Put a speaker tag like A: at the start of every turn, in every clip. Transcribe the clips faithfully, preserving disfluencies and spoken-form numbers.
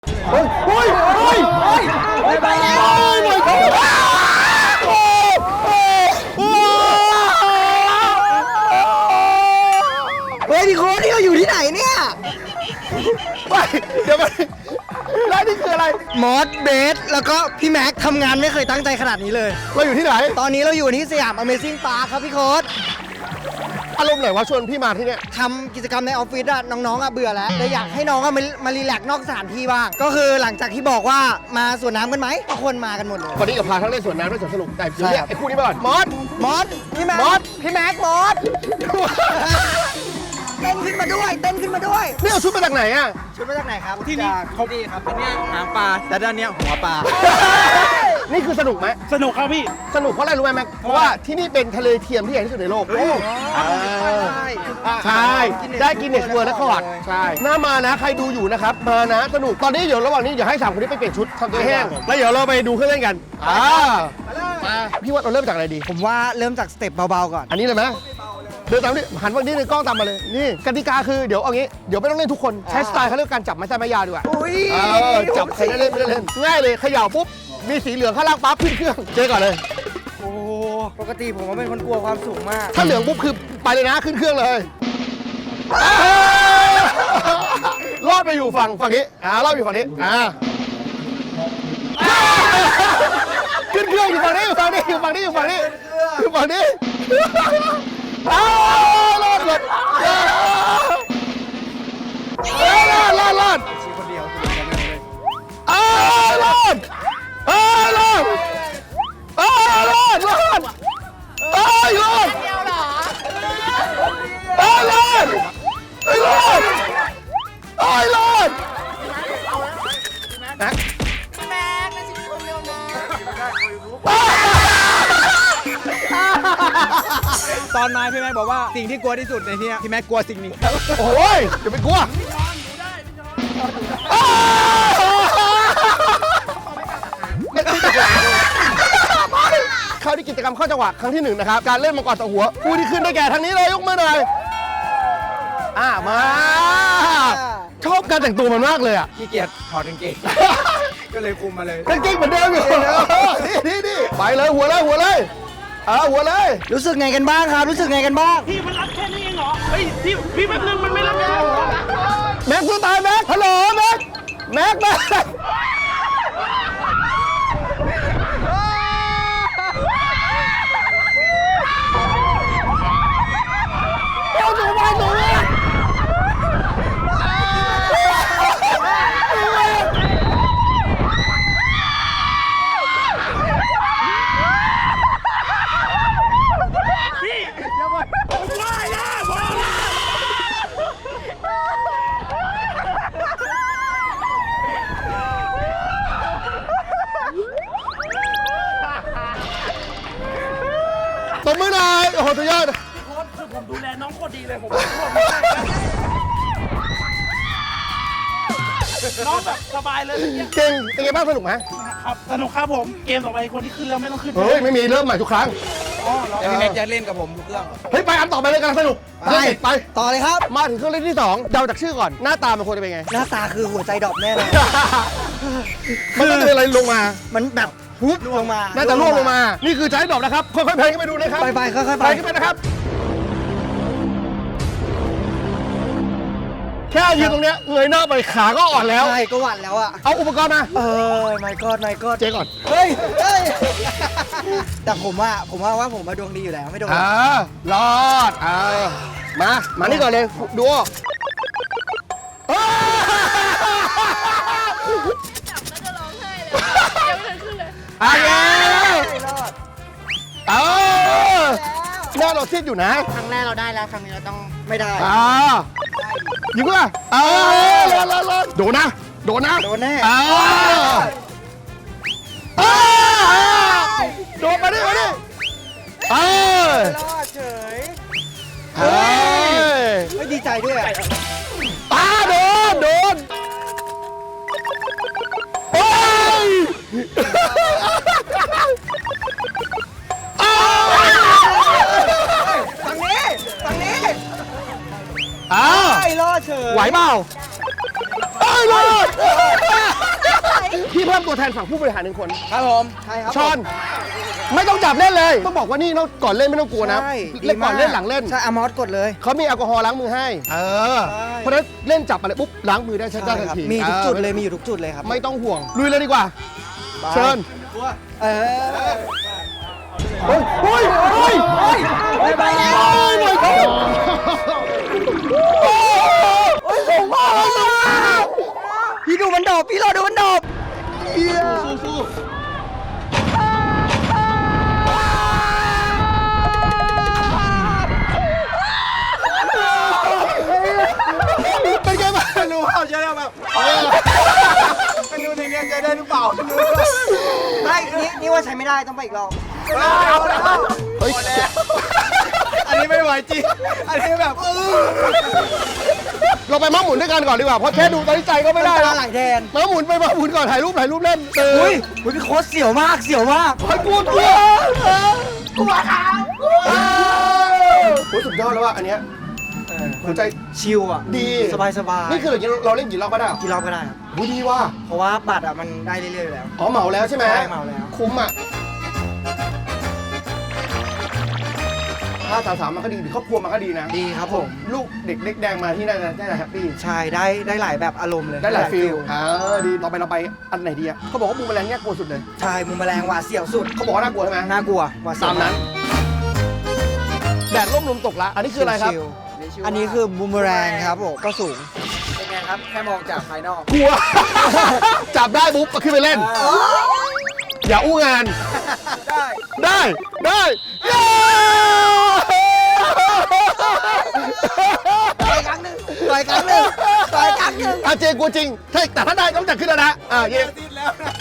A: เฮ้ยเฮ้ยเฮ้ยเฮ้ยไปแล้วเฮ้ยดิโค้ดนี่เราอยู่ที่ไหนเนี่ยไปเดี๋ยวไปแล้วนี่คืออะไรมอสเบสแล้วก็พี่แม็กทำงานไม่เคยตั้งใจขนาดนี้เลยเราอยู่ที่ไหนตอนนี้เราอยู่ที่สยาม Amazing Park ครับพี่โค้ดอารมณ์ไหนวะชวนพี่มาที่เนี่ยทำกิจกรรมในออฟฟิศอะน้องๆอะเบื่อแล้วเลยอยากให้น้องอะมามารีแลกซ์นอกสถานที่บ้างก็คือหลังจากที่บอกว่ามาสวนน้ำกันไหมทุกคนมากันหมดเลย
B: วันนี้กับพาทั้งเล่นสวนน้ำและสวนสนุกแต่เดี๋ยวเนี่ยไอ้คู่นี้มาก่อนมอส
A: มอสพี่แม็กมอสพี่แม็กมอสเต้นขึ้นมาด้วยเต้นขึ้นมาด้วย
B: นี่เอาชุดมาจากไหนอ่ะ
A: ชุดมาจากไหนครับที่นี่เขาดีครับอันนี้หางปลาแต่ด้านนี้หัวปลา
B: นี่คือสนุกไหม
C: สนุกครับพี่
B: สนุกเพราะอะไรรู้ไหมแม็กเพราะว่าที่นี่เป็นทะเลเทียมที่ใหญ่ที่สุดในโลกใช่ได้กินเนสเวิร์และคอร์ดใช่น่ามานะใครดูอยู่นะครับมานะสนุกตอนนี้เดี๋ยวระหว่างนี้เดี๋ยวให้สามคนนี้ไปเปลี่ยนชุดทำตัวแห้งแล้วเดี๋ยวเราไปดูเครื่องเล่นกันอ่ามาพี่ว่าเราเริ่มจากอะไรดี
A: ผมว่าเริ่มจากสเต็ปเบาๆก่อน
B: อันนี้เลยไหมเดินตามนี่หันฝั่งนี้ในกล้องตามมาเลยนี่กติกาคือเดี๋ยวเอางี้เดี๋ยวไม่ต้องเล่นทุกคนใช้สไตล์เขาเรียกการจับไม้ใต้ไม้ยาวดีกว่า
A: อุ้ย
B: จับใครได้เล่นไม่ได้เล่นง่ายเลยเขย่าปุ๊บมีสีเหลืองข้างล่างปั๊บขึ้นเครื่องเจ๊ก่อนเลย
A: โอ้ปกติผมก็เป็นคนกลัวความสูงมาก
B: ถ้าเหลืองปุ๊บคือไปเลยนะขึ้นเครื่องเลยรอดไปอยู่ฝั่งฝั่งนี้อ่ารอดอยู่ฝั่งนี้อ่าขึ้นเครื่องอยู่ฝั่งนี้อยู่ฝั่งนี้อยู่ฝั่งนี้อยู่ฝั่งนี้อยู่ฝั่งนี้อ้าวรอดหมดรอดรอดรอดอ้าวรอดอ้าวรอดอ้าวรอดรอดอ้าวรอดอ้าวรอดอ้าวรอดอ้าวรอดนะแม่ไม่ใช่คนเดียวนะ
C: ตอนมาพี่แม็กบอกว่าสิ่งที่กลัวที่สุดในนี้พี่แม็กกลัวสิ่งนี้
B: โอ้ยอย่าไปกลัวเข้าที่กิจกรรมเข้าจังหวะครั้งที่หนึ่งนะครับการเล่นมังกรต่อหัวผู้ที่ขึ้นได้แก่ทางนี้เลยยกมือหน่อยอ่ามาชอบการแต่งตัวมันมากเลยอ่ะ
C: ขี้เกียจถอดกางเกงก็เลยคุมมาเลย
B: กางเกงเหมือนเดิมอยู่นี่นี่นี่ไปเลยหัวเลยหัวเลยอ่าหัวเลย
A: รู้สึกไงกันบ้างครับรู้สึกไงกันบ้าง
C: พี่มันรับแค่นี้เองเหรอเฮ้ยพี่พี่แป๊บนึงมันไม่รับแค่เหรอ
B: แม็กซ์สู้ตายแม็กซ์ฮัลโหลแม็กซ์แม็กซ์แม็กซ์เอาหนูมาหนูตบมือหน่อยโอ้โหสุดยอด
C: โค้ชคือผมดูแลน้องโคตรดีเลยผมน้องแบบสบายเลย
B: เก่งเป็นไงบ้างสนุกไหม
C: ครับสนุกครับผมเกมต่อไปคนที่ขึ้นแล้วไม่ต้องขึ้น
B: เฮ้ยไม่มีเริ่มใหม่ทุกครั้ง
C: อ๋อแล้วพี่แม็กจะเล่นกับผมทุกเครื่อง
B: เฮ้ยไปอันต่อไปเลยกำลังสนุกไปไป
A: ต่อเลยครับ
B: มาถึงเครื่องเล่นที่สองเดาจากชื่อก่อนหน้าตามันควรจะเป็นไง
A: หน้าตาคือหัวใจดอกแน่เลย
B: มันต้องเป็นอะไรลงมา
A: มันแบบพุบลงมา
B: น่าจะร่วงลงมานี่คือใจดอกนะครับค่อยๆเพลงขึ้นไปดูนะครับ
A: ไปไปค่อยๆไป
B: ขึ้นไปนะครับแค่ยืนตรงเนี้ยเงยหน้าไปขาก็อ่อนแล้ว
A: ใช่ก็หวั่นแล้วอะ
B: เอาอุปกรณ์มา
A: เออไม่กอดไม่กอด
B: เจ๊ก่อน
A: เฮ้ยเฮ้ยแต่ผมว่าผมว่าว่าผมมาดวงดีอยู่แล้วไม่โดน
B: อ่ารอดอ่ามามานี่ก่อนเลยดูอ่ะเออหน้าเราซีดอยู่นะ
A: ครั้งแรกเราได้แล้วครั้งนี้เราต้องไม่ได้
B: อ่ายิงว่ะเออรอรอรอโดนนะโดนนะ
A: โดนแน่
B: อ่าโดนมาดิมาดิเออ
A: รอดเฉย
B: เฮ้ย
A: ไม่ดีใจด้วยอ่ะ
B: ตาโดนโดนโอ้ย
A: ฝั่งนี้ฝั่งนี้
B: อ้าว
A: ไม่รอดเฉย
B: ไหวเปล่าไอ้รอดตัวแทนฝั่งผู้บริหารหนึ่งคน
C: ครับผม
A: ใช่ครับ
B: ชอนไม่ต้องจับเล่นเลยต้องบอกว่านี่ต้องก่อนเล่นไม่ต้องกลัวนะ
A: ใช่
B: เล่นก่อนเล่นหลังเล่น
A: ใช่อามอสกดเลย
B: เขามีแอลกอฮอล์ล้างมือให้ เออ
A: ใช่
B: เพราะฉะนั้นเล่นจับอะไรปุ๊บล้างมือได้ใช้ได้ทัน
A: ครับ
B: ที
A: มีทุกจุดเลย
B: ออ
A: มีอยู่ทุกจุดเลยครับ
B: ไม่ต้องห่วง ลุยเลยดีกว่า เชิญ
A: เออ
B: เฮ้ยเฮ้ยเฮ้ย
A: ไปไปแล้ว
B: โอ้ยไม่ก็โอ้ยผมว่า
A: พี่ดูมันดอบพี่รอดูมันดอบ
B: สู้สู้เป็นไงบ้าง
C: ไม่รู้เขาจะได้แบบไม่รู้ในเนี้ยจะได้หรือเปล่าไม่รู้
A: ไม่นี่นี่ว่าใช้ไม่ได้ต้องไปอีกรอบ
C: เอาแล้ว
B: เฮ้ย
C: อันนี้ไม่ไหวจริงอันนี้แบบเออ
B: เราไปม้าหมุนด้วยกันก่อนดีกว่า เพราะแค่ดูตอนนี้ใจก็ไม่ได้
A: ตา
B: แล้ว
A: ไหลแทน
B: ม้าหมุนไปม้าหมุนก่อนถ่ายรูปถ่ายรูปเล่นเออ
A: อุ้ยอุ้ยพี่โค้ชเสียวมากเสียวมาก
B: ไอ้กูกลัวกลัวเขาโอ้ยสุดยอดแล้วว่ะอันเนี้ยหัวใจ
A: ชิลอ่ะ
B: ดี
A: สบายสบาย
B: นี่คืออย่างนี้เราเล่นกี่รอบก็ได้
A: กี่รอบก็ได้ครับ
B: หูดีว่ะ
A: เพราะว่าบัตรอ่ะมันได้เรื่อยๆอยู่แล้ว
B: อ๋อเหมาแล้วใช่ไหม
A: ใช่เหมาแล้ว
B: คุ้มอ่ะถ้าสาวสาวมันก็ดีครอบครัวมันก็ดีนะ
A: ดีครับผม
B: ลูกเด็กเล็กแดงมาที่นั่นนะได้แฮปปี้
A: ใช่ได้ได้หลายแบบอารมณ์เลย
B: ได้หลายฟิลอ่าดีต่อไปเราไปอันไหนดีอ่ะเขาบอกว่าบูมแมลงเนี่ยกลัวสุดเลย
A: ใช่มุมแมลงหวาดเสียวสุด
B: เขาบอกว่าน่ากลัวใช่ไหม
A: น่ากลัวหวาดเสียว
B: ตามนั้น แดดร่มลมตกละอันนี้คืออะไรครับ
A: ชิลๆอันนี้คือบูมเมอแรงครับผมก็สูง
C: เป็นไงครับแค่มองจากภายนอก
B: กลัว จับได้ปุ๊บก็ขึ้นไปเล่น อย่าอู้งาน
C: ได้
B: ได้ ได้เย้
A: ต่อยครั้งหนึ่งต่อยครั้งหนึ่งต่อยครั้งหนึ่ง
B: อาเจกลัวจริงถ้าแต่ถ้าได้ต้องจัดขึ้นแล้วนะ อ่าเย้
C: ติดแล้วนะ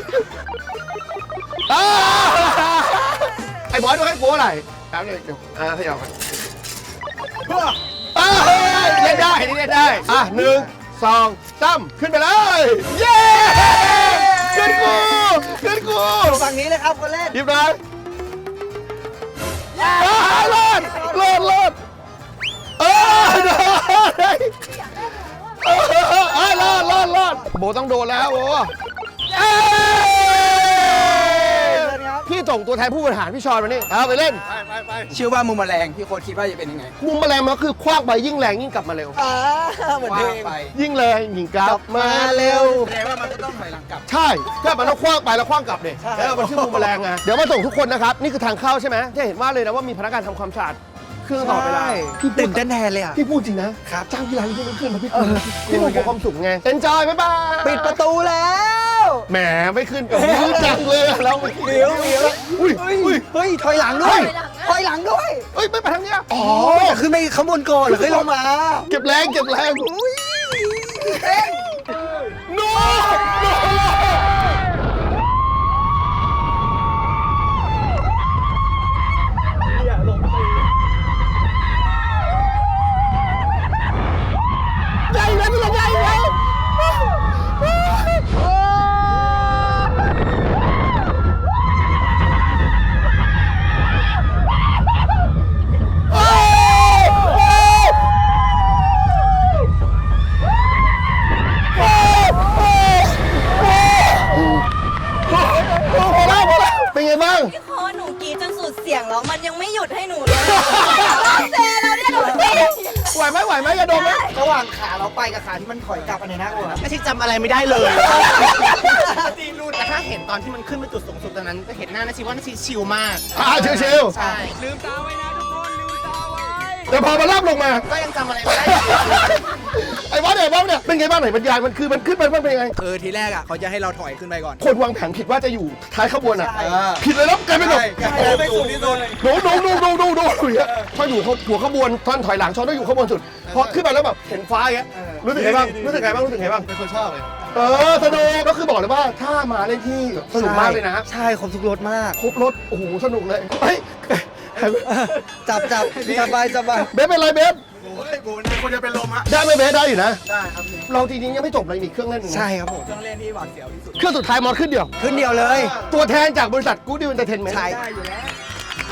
B: อ่าไอ้บอสดูให้กลัวอะไรแป๊บนึงเดี๋ยวอ่าขยับอ่าเล่นได้นี่เล่นได้ อ่ะหนึ่งสองสามขึ้นไปเลย เย้ขึ้นกูขึ้นกู
A: ฝั่งนี้เลยครับคนเล่น
B: หยิบหน่อยอ่ารอดรอดรอดเออได้เออเออรอดรอดรอดโบต้องโดนแล้วโบเอ้ยพี่ส่งตัวแทนผู้บริหารพี่ชอนมานี่เอาไปเล่น
C: ไปไปไปชื่อว่ามุมแมลงพี่โค้ชคิดว่าจะเป็นยังไง
B: มุมแมลงมันก็คือคว้างไปยิ่งแรงยิ่งกลับมาเร็ว
A: อ่าเหมือนเพลง
C: ไป
B: ยิ่งแรงยิ่งกลับมาเร็ว
C: แสดงว่ามันก็ต้องถอยหลังกลับ
B: ใช่ถ้ามันต้องคว้างไปแล้วคว้างกลับเนี่ยแล้วมันชื่อมุมแมลงไงเดี๋ยวมาส่งทุกคนนะครับนี่คือทางเข้าใช่ไหมจะเห็นว่าเลยนะว่ามีพนักงานทำความสะอาดเครื่องต่อดเวลาพี่พู
A: ตื่
B: ด
A: นเต้นแทนเลยอ่ะ
B: พี่พูดจริงนะครับจ้างพี่ร้านที่ไม่ขึ้นมาพี่ขึ้นพี่คงมีความสุขไงเอ็นจอยบ๊ายบาย
A: ปิดประตูแล้ว
B: แหมไม่ขึ้นกับมือจังเลยอะเราไม่ขึ้น
A: เดี๋ยวเดี๋ยว
B: อุ้ย
A: เฮ้ย
B: อุ้ย
A: เฮ้ยถอยหลังด้วยถอยหลังด้วย
B: เอ้ยไม่ไปทางเนี้ยอ๋อ
A: อ๋อแต่ขึ้นไปข้างบนก่อนหรือขึ้นลงมา
B: เก็บแรงเก็บแรง
A: อุ้ย
B: โน้ใหญ่แล้วใหญ่แล้วเป็นไงบ้าง
D: พี่โค้ชหนูกรีดจนสุดเสียงแล้วมันยังไม่หยุดให้หนูเลยเซแล้วเนี่ยหนูกรีด
B: ไหวไหมไหวไหมอย่าดมไหม
A: ระหว่างขาเราไปกับขาที่มันถอยกลับอันไหนน่ากลัว
E: ไม่ใช่จำอะไรไม่ได้เลยตีรูดแต่ถ้าเห็นตอนที่มันขึ้นไปจุดสูงสุดตอนนั้นจะเห็นหน้านาชิว่านาชิชิลมาก
B: อ่าชิว
E: ใช่
C: ลืมตาไว้นะทุกคนลืมตาไว้
B: ๆแต่พอมาลาบลงมา
E: ก็ยังจำอะไรไม่ได้อยู่
B: ไอ้บอสเนี่ยบอสเนี่ยเป็นไงบ้างไหนบรรยายมันคือมันขึ้นไปมันเป็นยังไง
C: คือทีแรกอ่ะเขาจะให้เราถอยขึ้นไปก่อน
B: คนวางแผนผิดว่าจะอยู่ท้ายขบวนอ่ะ
A: ใช่
B: ผิดเลยแล้วกลายเป็นแบบ
C: ใช่ไปสูงที่สุด
B: โดนโดนโดนโดนโดนโดนอย่างเงี้ยพออยู่หัวขบวนตอนถอยหลังชอนต้องอยู่ขบวนสุดพอขึ้นไปแล้วแบบเห็นฟ้าอย่างเงี้ยรู้สึกไงบ้างรู้สึกไงบ้างรู้สึกไงบ้าง
C: เป็นคนชอบเลย
B: เออสนุกก็คือบอกเลยว่าถ้ามาเล่นที่สนุกมากเลยนะ
A: ใช่ครบทุกรถมาก
B: ครบรถโอ้โหสนุกเลยเฮ้ย
A: จับจับจับไปจับไป
B: เบสเป็นไรเบส
C: โอ้ยโบนะคนจะเป็นลมฮะ
B: ได้ไหมเบสได้อยู่นะ
C: ได้ครับ
B: เราจริงๆยังไม่จบเลยมีเครื่องเล่นหนึ่งนะ
A: ใช่ครับผม
C: เครื่องเล่นที่หวาดเสียวที่สุด
B: เครื่องสุดท้ายมอสขึ้นเดียว
A: ขึ้นเดียวเลย
B: ตัวแทนจากบริษัทกู๊ดดิวเอนเตอร์เทนเมนต์
A: ใช่
C: ได้อยู่แล้ว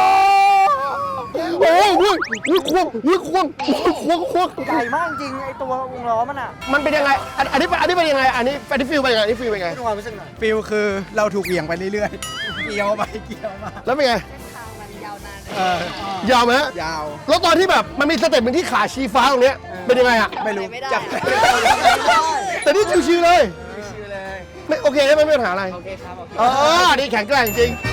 B: โอ้ยอุ้ยอุ้ยควงอุ้ยควงควงควง
A: ใหญ่มากจริงไอตัววงล้อมันอ่ะ
B: มันเป็นยังไงอันอันนี้อันนี้เป็นยังไงอันนี้อันนี้ฟิลเป็นยังไงอันนี้ฟิลเป็นยังไง
A: ดูความรู้สึกหน่อย
C: ฟิลคือเราถูกเหวี่ยงไปเรื่อยๆ เกี่ยวไปเกี่ยวมา
B: แล้วเป็นไง
C: เออย
B: าวไหมฮะ
C: ยาว
B: แล้วตอนที่แบบมันมีสเต็ปหนึ่งที่ขาชี้ฟ้าตรงเนี้ยเป็นยังไงอะ
C: ไม่รู้
D: ไม่ได้
C: จับ
B: แต่นี่ชิวๆเลย
C: ชื่อเลย
B: ไม่โอเคใช่ไหมไม่มีปัญหาอะไร
C: โอเคครับโอเค
B: เออนี่แข็งแกร่งจริง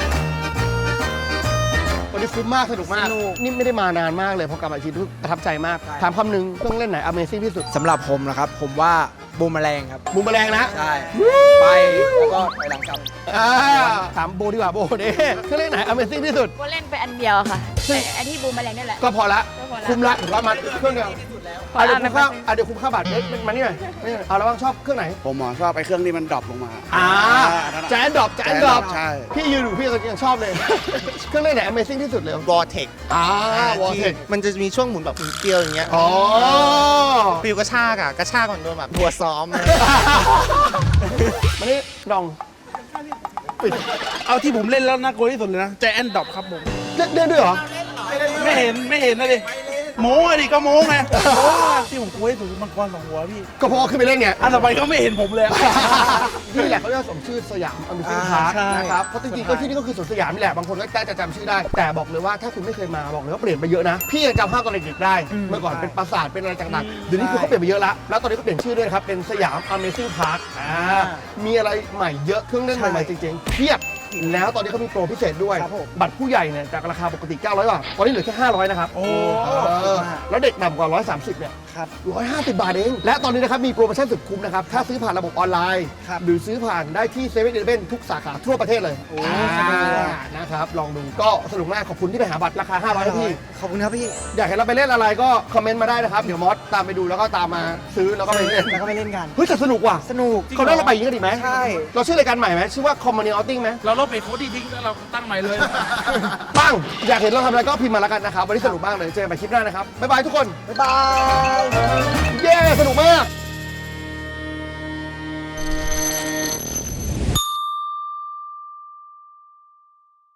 B: วันนี้คุ้มมากสนุกมากนี่ไม่ได้มานานมากเลยพอกลับมาอีกทีรู้สึกประทับใจมากถามคำหนึ่งเครื่องเล่นไหน Amazing ที่สุด
C: สำหรับผมนะครับ ผมว่าบูมแมลงครับ
B: บูมแมลงนะ
C: ใช่ ไปแล้วก็ไปหลังกลับ
B: อ่าถามโบดีกว่าโบเด้เครื่องเล่นไหน Amazing ที่สุด
F: โบเล่นไปอันเดียวค่ะแต่อันที่บูมแมลงนี่แหละ
B: ก็พอละ
F: ก็พอละ
B: คุ้มละถือว่ามันเครื่องเดียว
F: พอ
B: อ่ะ
F: ละ
B: เดี๋ยวคุ้มค่าอ่ะเดี๋ยวคุ้มค่าบัตรเอ๊ะมานี่หน่อยมานี่หน่อยเอาแล้วบ้างชอบเครื่องไหน
G: ผมหมอชอบไอ้เครื่องที่มันดรอปลงมา
B: อ่าแจนดรอปแจนดรอป
G: ใช่
B: พี่ยืนอยู่พี่ก็ยังชอบเลย เครื่องเล่นไหน Amazing ที่สุดเลย
E: วอร์เทค
B: อ่าวอลเทค
E: มันจะมีช่วงหมุนแบบหมุนเกลียวอย่างเงี้ย
B: อ๋อ
E: ฟิลกระชากอะกระชากก่อนโดนแบบทัวซ้อมเลย
B: มานี่ลอง
H: เอาที่ผมเล่นแล้วน่ากลัวที่สุดเลยนะแจแอนดอบครับผม
B: เล่นเล่นด้วยเหรอ
H: ไม่เห็นไม่เห็นนะดิโม้อะดิก็โม้ไงโม้อะที่ผมกลัวที่สุดคือมังกรสองหัวพี่
B: ก็เพราะว่าขึ้นไปเล่นไง
H: อันต่อไปก็ไม่เห็นผมเลย
B: นี่แหละเขาเรียกว่าสมชื่อสยามอเมซิ่ง
H: อ่า
B: พาร์ค
H: ใช่
B: นะครับ เพราะจริงๆก็ที่นี่ก็คือสวนสยามนี่แหละ บางคนก็ได้จะจำชื่อได้ แต่บอกเลยว่าถ้าคุณไม่เคยมาบอกเลยว่าเปลี่ยนไปเยอะนะ พี่ยังจำภาพตอนเด็กๆได้ เมื่อก่อนเป็นปราสาทเป็นอะไรต่างๆ เดี๋ยวนี้คือเขาเปลี่ยนไปเยอะละ แล้วตอนนี้ก็เปลี่ยนชื่อด้วยนะครับ เป็นสยาม Amazing Park อ่ามีอะไรใหม่เยอะเครื่องเล่นใหม่ๆจริงๆเพียบ แล้วตอนนี้เขามีโปรพิเศษด้วย บัตรผู้ใหญ่เนี่ยจากราคาปกติเก้าร้อยบาท ตอนนี้เหลือแค่ห้าร้อยนะครับ
H: โอ้
B: เออแล้วเด็กต่ำกว่าหนึ่งร้อยสามสิบเนี่ยหนึ่งร้อยห้าสิบบาทเอง และตอนนี้นะครับมีโปรโมชั่นสุดคุ้มนะครับ ถ้าซื้อผ่านระบบออนไลน์ หรือซื้อผ่านได้ที่เซเว่นอีเลฟเว่นทุกสาขาทั่วประเทศเลยอ่านะครับ ลองดูก็สนุกมากขอบคุณที่ไปหาบัตรราคาห้าร้อยให้พี่
C: ขอบคุณครับพี่
B: อยากเห็นเราไปเล่นอะไรก็คอมเมนต์มาได้นะครับ เดี๋ยวมอสตามไปดูแล้วก็ตามมาซื้อแล้วก็ไปเล่น
A: แล้วก็ไปเล่นกัน
B: เฮ้ยแต่สนุกว่ะ
A: สนุก
B: เขาได้เราไปอย่างนี้กันดีไหม
A: ใช่
B: เราชื่อรายการใหม่ไหมชื่อว่า Community Outing ไหม
H: เราลบไปโค้ดที่ทิ้งแล้วเราตั้งใหม่เลย
B: ปังอยากเห็นเราทำอะไรก็พิมพ์มาแล้วกันนะครับ วันนี้สนุกมากเลย เจอกันใหม่คลิปหน้านะครับ บ๊ายบายทุกคน
A: บ๊ายบาย
B: เย้ สนุกมาก